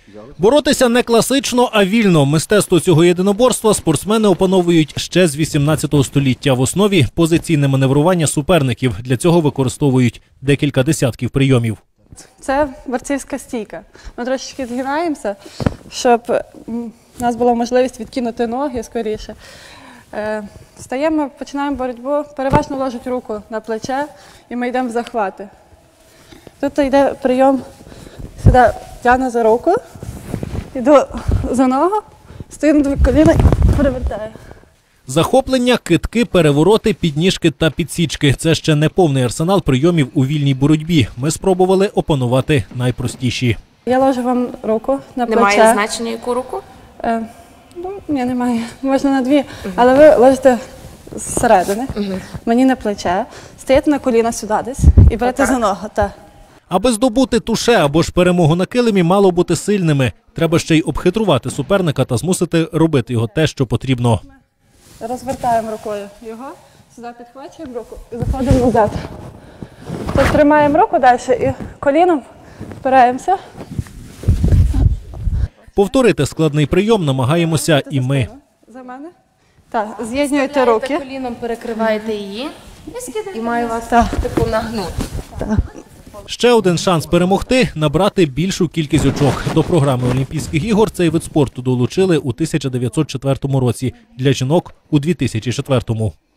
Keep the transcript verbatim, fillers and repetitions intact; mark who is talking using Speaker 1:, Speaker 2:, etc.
Speaker 1: Боротися не класично, а вільно. Мистецтво цього єдиноборства спортсмени опановують ще з вісімнадцятого століття. В основі – позиційне маневрування суперників. Для цього використовують декілька десятків прийомів.
Speaker 2: Це борцівська стійка. Ми трошечки згинаємося, щоб у нас була можливість відкинути ноги скоріше. Стаємо, починаємо боротьбу, переважно ложать руку на плече і ми йдемо в захвати. Тут йде прийом, сюди тягну за руку, йду за ногу, стою на дві коліна і перевертаю.
Speaker 1: Захоплення, кидки, перевороти, підніжки та підсічки – це ще не повний арсенал прийомів у вільній боротьбі. Ми спробували опанувати найпростіші.
Speaker 2: Я ложу вам руку на плече.
Speaker 3: Немає значення, яку руку?
Speaker 2: Е, ну, ні, немає. Можна на дві, угу. Але ви ложите зсередини, угу. Мені на плече, стаєте на коліна сюди десь і берете за ногу. Так.
Speaker 1: Аби здобути туше або ж перемогу на килимі, мало бути сильними. Треба ще й обхитрувати суперника та змусити робити його те, що потрібно.
Speaker 2: Розвертаємо рукою його, сюди підхвачуємо руку і заходимо назад. Тут тримаємо руку далі і коліном впираємося.
Speaker 1: Повторити складний прийом намагаємося і ми.
Speaker 2: За мене? Так, з'єднуєте руки.
Speaker 3: Коліном перекриваєте її і маю вас таку нагнути.
Speaker 1: Ще один шанс перемогти – набрати більшу кількість очок. До програми Олімпійських ігор цей вид спорту долучили у тисяча дев'ятсот четвертому році, для жінок – у дві тисячі четвертому.